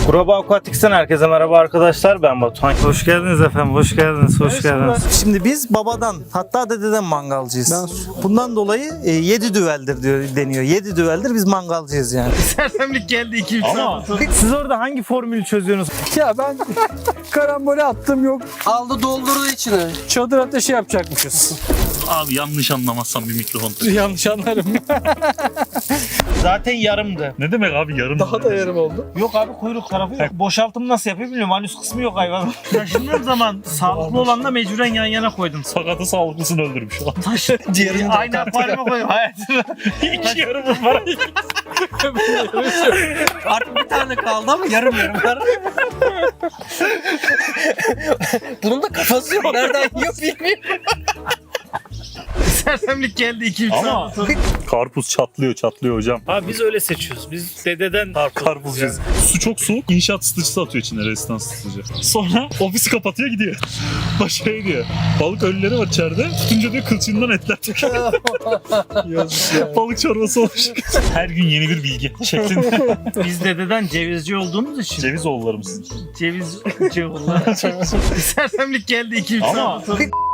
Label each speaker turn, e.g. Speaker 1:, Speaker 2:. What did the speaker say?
Speaker 1: Groba Aquatics'ten herkese merhaba arkadaşlar, ben Batuhan. Hoş geldiniz efendim, hoş geldiniz, hoş geldiniz. Şimdi biz babadan, hatta dededen mangalcıyız. Bundan dolayı 7 düveldir deniyor. 7 düveldir biz mangalcıyız yani. Sersemlik geldi 2-3
Speaker 2: Ama
Speaker 1: Siz orada hangi formülü çözüyorsunuz?
Speaker 3: Ya ben karambole attım yok.
Speaker 4: Aldı doldurdu içine.
Speaker 3: Çadır ateşi yapacakmışız.
Speaker 2: abi yanlış anlamazsam bir mikrofon.
Speaker 3: Yanlış anlarım.
Speaker 1: Zaten yarımdı.
Speaker 2: Ne demek abi yarım?
Speaker 3: Daha da yarım oldu.
Speaker 1: Yok abi, kuyruk tarafı yok. Boşaltım nasıl yapıyor bilmiyorum. Anüs kısmı yok hayvan. Taşındığım zaman sağlıklı olanla mecburen yan yana koydum.
Speaker 2: Sakatı sağlıklısını öldürmüş.
Speaker 1: Diğerini aynı akvaryuma koydum hayatımda.
Speaker 2: İki yarım var.
Speaker 4: Artık bir tane kaldı ama yarım var. Bunun da kafası yok. Nereden yiyor bilmiyorum.
Speaker 1: Sersemlik geldi 2-3
Speaker 2: Ama karpuz çatlıyor hocam.
Speaker 1: Abi biz öyle seçiyoruz. Biz dededen
Speaker 2: Karpuzcuyuz. Su çok soğuk. İnşaat ısıtıcısı atıyor içine, rezistans ısıtıcı. Sonra ofisi kapatıyor gidiyor. Başka diyor. Balık ölüleri var içeride. Tutunca diyor kılçığından etler çıkıyor. Balık çorbası olmuş. Her gün yeni bir bilgi şeklinde.
Speaker 1: Biz dededen cevizci olduğumuz için.
Speaker 2: Ceviz oğullarımız.
Speaker 1: Cevizci oğullar. Sersemlik geldi 2-3
Speaker 2: Ama